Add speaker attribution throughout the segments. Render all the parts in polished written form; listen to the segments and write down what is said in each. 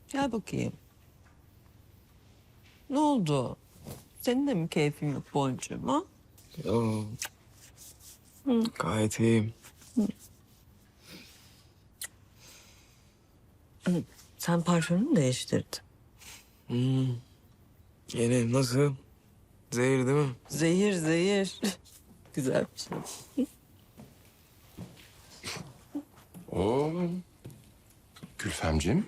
Speaker 1: Gel bakayım. Ne oldu? Senin de mi keyfin yok boncuğum ha?
Speaker 2: Yo. Gayet iyiyim.
Speaker 1: Sen parfümünü değiştirdin.
Speaker 2: Yeni nasıl? Zehir değil mi?
Speaker 1: Zehir zehir. Güzel bir şey.
Speaker 3: Oo. Gülfemciğim.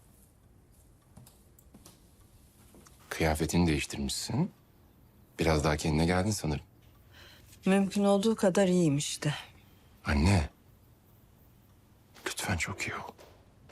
Speaker 3: Kıyafetini değiştirmişsin. Biraz daha kendine geldin sanırım.
Speaker 1: Mümkün olduğu kadar iyiyim işte.
Speaker 3: Anne. Lütfen çok iyi ol.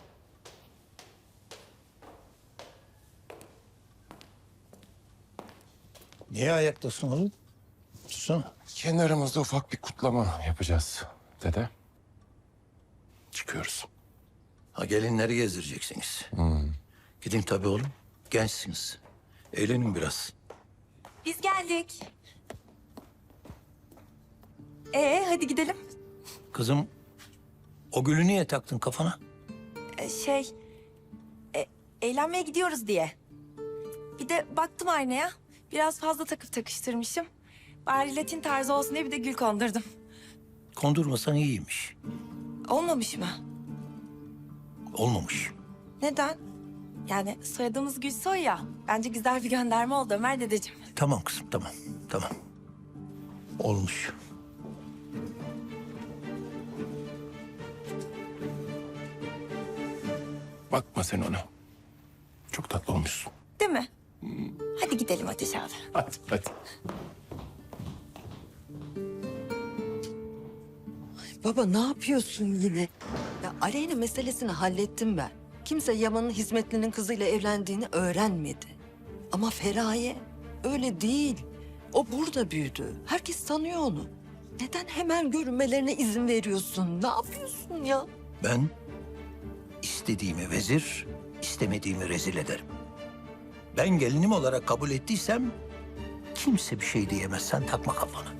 Speaker 4: Niye ayaktasın oğlum? Tutsana.
Speaker 3: Kendi aramızda ufak bir kutlama yapacağız dede. Çıkıyoruz.
Speaker 4: Ha gelinleri gezdireceksiniz. Gidin tabii oğlum. Gençsiniz. Eğlenin biraz.
Speaker 5: Biz geldik. Hadi gidelim.
Speaker 4: Kızım o gülü niye taktın kafana?
Speaker 5: Şey, eğlenmeye gidiyoruz diye. Bir de baktım aynaya. Biraz fazla takıp takıştırmışım. Bari Latin tarzı olsun diye bir de gül kondurdum.
Speaker 4: Kondurmasan iyiymiş.
Speaker 5: Olmamış mı?
Speaker 4: Olmamış.
Speaker 5: Neden? Yani soyadımız Gülsoy ya. Bence güzel bir gönderme oldu Ömer dedeciğim.
Speaker 4: Tamam kızım tamam. Tamam. Olmuş.
Speaker 3: Bakma sen ona. Çok tatlı olmuşsun.
Speaker 5: Değil mi? Hadi gidelim Ateş abi.
Speaker 3: Hadi hadi.
Speaker 1: Baba ne yapıyorsun yine? Ya Aleyna meselesini hallettim ben. Kimse Yaman'ın hizmetlinin kızıyla evlendiğini öğrenmedi. Ama Feraye öyle değil. O burada büyüdü. Herkes tanıyor onu. Neden hemen görünmelerine izin veriyorsun? Ne yapıyorsun ya?
Speaker 4: Ben istediğimi vezir, istemediğimi rezil ederim. Ben gelinim olarak kabul ettiysem kimse bir şey diyemez. Sen takma kafana.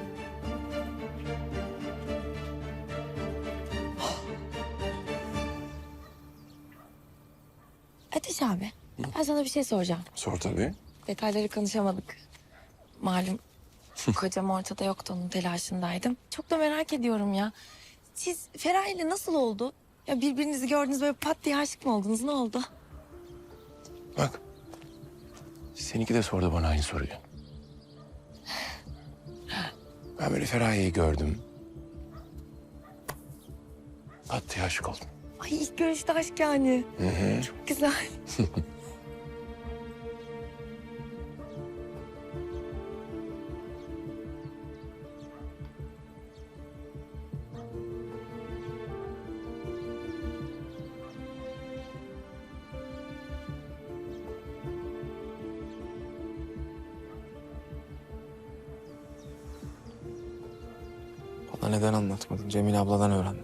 Speaker 5: Ateş abi, ben sana bir şey soracağım.
Speaker 3: Sor tabii.
Speaker 5: Detayları konuşamadık. Malum kocam ortada yoktu, onun telaşındaydım. Çok da merak ediyorum ya. Siz Feraye ile nasıl oldu? Ya birbirinizi gördünüz böyle pat diye aşık mı oldunuz? Ne oldu?
Speaker 3: Bak. Seninki de sordu bana aynı soruyu. Ben böyle Feraye'yi gördüm. Pat diye aşık oldum.
Speaker 5: Ay ilk görüşte aşk yani. Çok güzel.
Speaker 2: Bana neden anlatmadın? Cemile abladan öğrendim.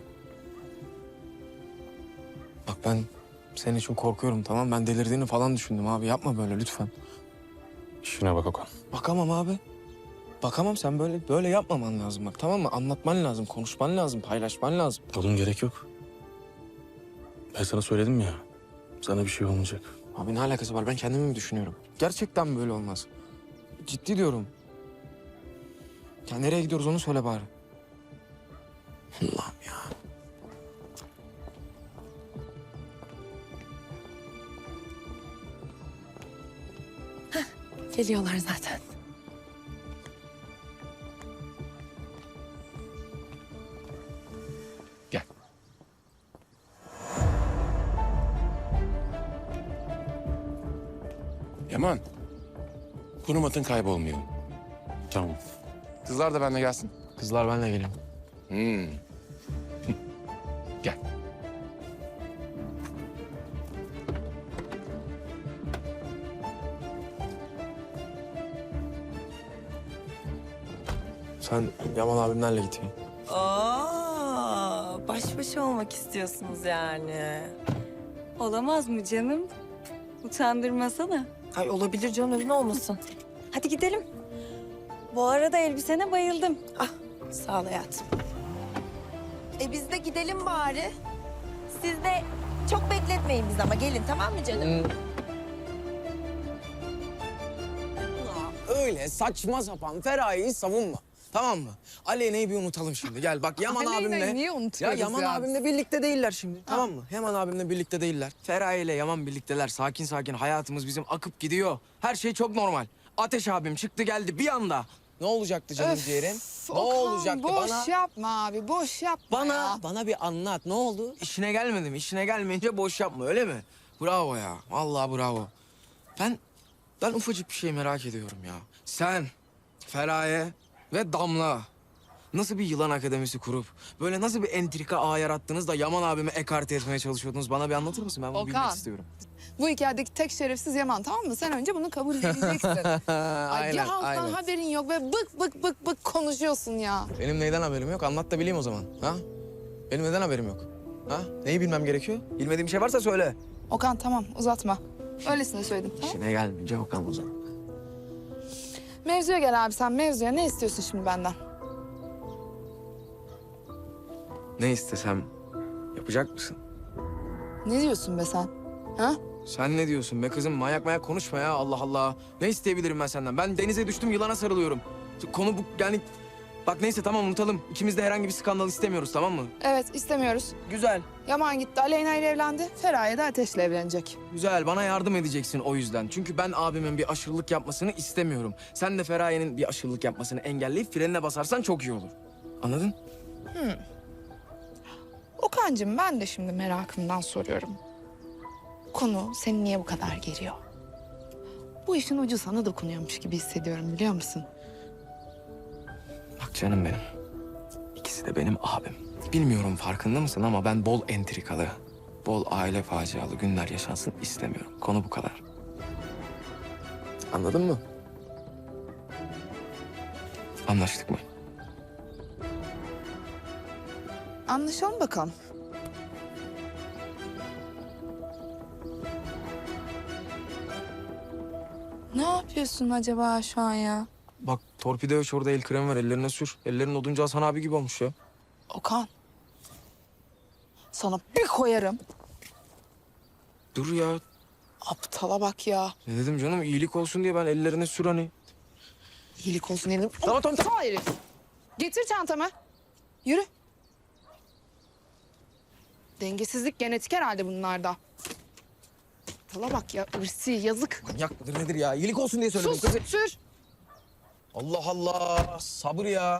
Speaker 2: Bak ben senin için korkuyorum, tamam? Ben delirdiğini falan düşündüm abi. Yapma böyle lütfen.
Speaker 3: İşine bak Okan.
Speaker 2: Bakamam abi. Bakamam, sen böyle yapmaman lazım bak, tamam mı? Anlatman lazım, konuşman lazım, paylaşman lazım.
Speaker 6: Oğlum gerek yok. Ben sana söyledim ya. Sana bir şey olmayacak.
Speaker 2: Abi ne alakası var? Ben kendimi mi düşünüyorum? Gerçekten böyle olmaz. Ciddi diyorum. Ya nereye gidiyoruz onu söyle bari. Allah'ım ya.
Speaker 5: Geliyorlar zaten.
Speaker 3: Gel. Yaman. Konum atın, kaybolmayalım.
Speaker 6: Tamam.
Speaker 3: Kızlar da benimle gelsin.
Speaker 2: Kızlar benle geleyim.
Speaker 3: Gel.
Speaker 2: Sen Yaman abimlerle git.
Speaker 5: Baş başa olmak istiyorsunuz yani.
Speaker 7: Olamaz mı canım? Utandırmasana.
Speaker 5: Ay olabilir canım, neden olmasın?
Speaker 7: Hadi gidelim. Bu arada elbisene bayıldım.
Speaker 5: Ah, sağ ol hayatım. Biz de gidelim bari. Siz de çok bekletmeyin. etmeyin biz ama gelin tamam mı canım?
Speaker 2: Öyle saçma sapan Feraye'yi savunma. Tamam mı? Aleyna'yı bir unutalım şimdi. Gel bak Yaman abimle...
Speaker 8: Niye unutuyoruz
Speaker 2: Yaman abimle birlikte değiller şimdi. Tamam mı? Yaman abimle birlikte değiller. Feraye ile Yaman birlikteler. Sakin sakin hayatımız bizim akıp gidiyor. Her şey çok normal. Ateş abim çıktı geldi bir anda. Ne olacaktı canım ciğerim? Ne olacaktı
Speaker 8: boş
Speaker 2: bana?
Speaker 8: yapma abi, boş yapma ya.
Speaker 2: Bana bir anlat. Ne oldu? İşine gelmedi mi? İşine gelmeyince boş yapma öyle mi? Bravo ya. Vallahi bravo. Ben ufacık bir şey merak ediyorum ya. Sen, Feraye ve Damla nasıl bir yılan akademisi kurup böyle nasıl bir entrika ağ yarattınız da Yaman abimi ekarte etmeye çalışıyordunuz? Bana bir anlatır mısın? Ben bunu bilmek
Speaker 8: Okan.
Speaker 2: istiyorum.
Speaker 8: Bu hikayedeki tek şerefsiz Yaman, tamam mı? Sen önce bunu kabul edeceksin. Ay, bir halktan haberin yok ve bık konuşuyorsun ya.
Speaker 2: Benim neyden haberim yok? Anlat da bileyim o zaman. Ha? Benim neden haberim yok? Ha? Neyi bilmem gerekiyor? Bilmediğim bir şey varsa söyle.
Speaker 8: Okan tamam, uzatma. Öylesine söyledim, tamam?
Speaker 2: İşine gelmeyince bakalım o zaman.
Speaker 8: Mevzuya gel abi sen, mevzuya. Ne istiyorsun şimdi benden?
Speaker 2: Ne istesem yapacak mısın?
Speaker 8: Ne diyorsun be sen? Ha?
Speaker 2: Sen ne diyorsun be kızım? Manyak konuşma ya Allah Allah. Ne isteyebilirim ben senden? Ben denize düştüm yılana sarılıyorum. Konu bu yani... Bak neyse tamam unutalım. İkimiz de herhangi bir skandal istemiyoruz tamam mı?
Speaker 8: Evet, istemiyoruz.
Speaker 2: Güzel.
Speaker 8: Yaman gitti, Aleyna ile evlendi. Feraye de Ateş'le evlenecek.
Speaker 2: Güzel bana yardım edeceksin o yüzden. Çünkü ben abimin bir aşırılık yapmasını istemiyorum. Sen de Feraye'nin bir aşırılık yapmasını engelleyip frenine basarsan çok iyi olur. Anladın?
Speaker 8: Okan'cığım ben de şimdi merakımdan soruyorum. Konu seni niye bu kadar geriyor? Bu işin ucu sana dokunuyormuş gibi hissediyorum, biliyor musun?
Speaker 2: Bak canım benim. İkisi de benim abim. Bilmiyorum farkında mısın ama ben bol entrikalı, bol aile facialı günler yaşansın istemiyorum. Konu bu kadar. Anladın mı? Anlaştık mı?
Speaker 8: Anlaşalım bakalım. Ne yapıyorsun acaba şu an ya?
Speaker 2: Bak torpido yok orada el kremi var ellerine sür. Ellerin oduncu Hasan abi gibi olmuş ya.
Speaker 8: Okan. Sana bir koyarım.
Speaker 2: Dur ya.
Speaker 8: Aptala bak ya.
Speaker 2: Ne dedim canım iyilik olsun diye ben ellerine sür hani.
Speaker 8: İyilik olsun dedim.
Speaker 2: Tamam.
Speaker 8: Aptal herif. Getir çantamı. Yürü. Dengesizlik genetik herhalde bunlarda. Aptala bak ya. Irsi yazık.
Speaker 2: Manyak mıdır nedir ya? İyilik olsun diye söyledim
Speaker 8: Sus
Speaker 2: kızı.
Speaker 8: sür.
Speaker 2: Allah Allah. Sabır ya.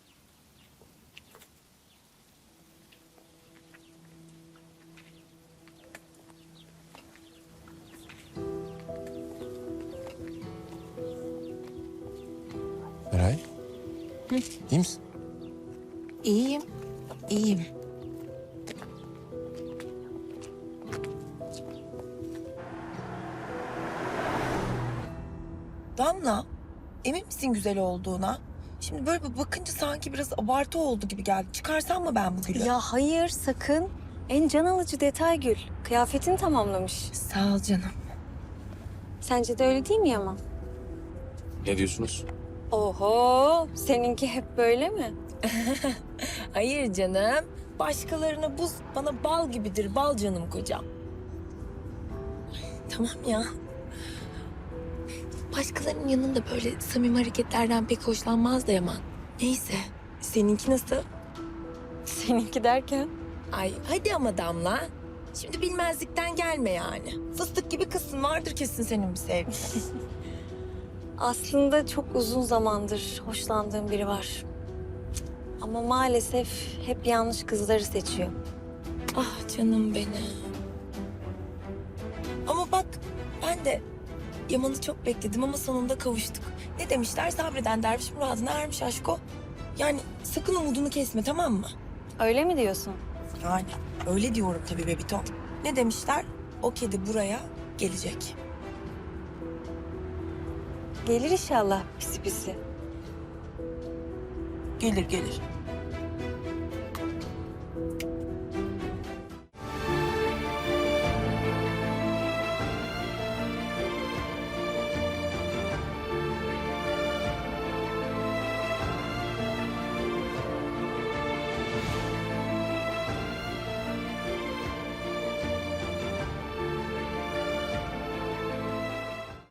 Speaker 3: Meral. İyi misin?
Speaker 5: İyiyim, iyiyim. Damla, emin misin güzel olduğuna? Şimdi böyle bir bakınca sanki biraz abartı oldu gibi geldi. Çıkarsam mı ben bu gülü?
Speaker 7: Ya hayır sakın. En can alıcı detay Gül. Kıyafetini tamamlamış.
Speaker 5: Sağ ol canım.
Speaker 7: Sence de öyle değil mi Yaman?
Speaker 6: Ne diyorsunuz?
Speaker 7: Oho, seninki hep böyle mi?
Speaker 5: Hayır canım. Başkalarına buz, bana bal gibidir. Bal canım kocam. Tamam ya. Başkalarının yanında böyle samimi hareketlerden pek hoşlanmaz da Yaman. Neyse. Seninki nasıl?
Speaker 7: Seninki derken?
Speaker 5: Ay hadi ama Damla. Şimdi bilmezlikten gelme yani. Fıstık gibi kızsın. Vardır kesin senin bir sevgilin.
Speaker 7: Aslında çok uzun zamandır hoşlandığım biri var. Ama maalesef hep yanlış kızları seçiyor.
Speaker 5: Ah canım benim. Ama bak ben de Yaman'ı çok bekledim ama sonunda kavuştuk. Ne demişler? Sabreden derviş muradına ermiş aşko. Yani sakın umudunu kesme tamam mı?
Speaker 7: Öyle mi diyorsun?
Speaker 5: Yani öyle diyorum tabii Bebito. Ne demişler? O kedi buraya gelecek.
Speaker 7: Gelir inşallah pisi pisi.
Speaker 5: Gelir gelir.